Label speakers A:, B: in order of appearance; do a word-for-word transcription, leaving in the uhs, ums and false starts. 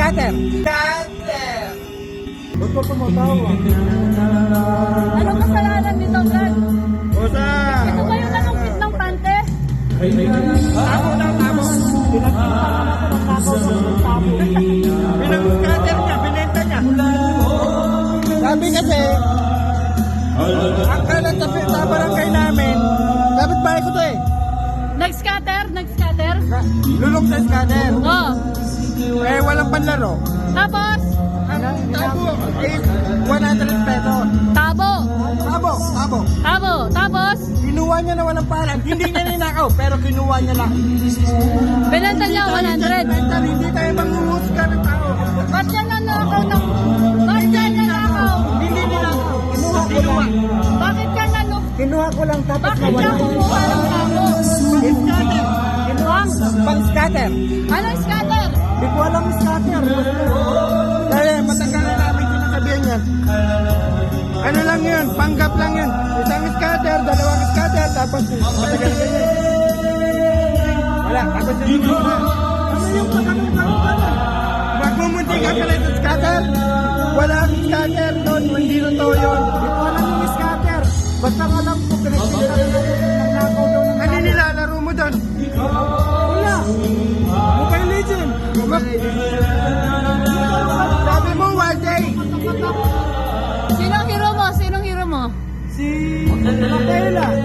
A: scatter. Scatter! Ba't ka tumatawa?
B: Anong kasalanan nito, Brad?
A: Bosa!
B: Ito ba yung nanungkit ng pante?
A: Tabo lang, tabo. Pinag-scatter niya, binenta niya. Sabi kasi, ang kalat sa sa barangay namin, dapat bahay ko to eh.
B: Nag-scatter? Nag-scatter?
A: Lulok sa scatter.
B: Oo.
A: Eh, walang panlaro.
B: Tapos,
A: Ang tabo is one hundred pesos.
B: tabo.
A: Tabo, tabo.
B: Tabo. Tapos,
A: Kinuha niya na walang paran. Hindi niya ninakaw, pero kinuha niya lang.
B: binenta niya one hundred.
A: Mental, hindi tayo manghuhusga ng tao.
B: Ba't yan nanakaw ng... Ba't yan nanakaw?
A: Hindi ninakaw. Kinuha ko lang.
B: Bakit ka nanuk...
A: Kinuha ko lang tapos
B: Bakit ka kumuha ng tabo?
A: Scatter. Kinuha pang scatter.
B: Anong scatter?
A: Hindi ko alam yung scatter. Dahil matagal na namin sinasabihan yan. Ano lang yun? Panggap lang yun. Isang scatter, dalawang scatter, tapos matagal na yun. Wala, tapos yun. Ano yung pagkakang magmumunti ka pala sa scatter? Wala ang scatter doon, hindi totoo yun. Hindi ko alam yung scatter. Basta alam ko, pinagkita na nagnakaw doon. Ano nilalaro mo doon? Wala. Mobile Legend. Sabi mo, one day.
B: Sinong hero mo? Sinong hero mo?
A: Si Rafaela.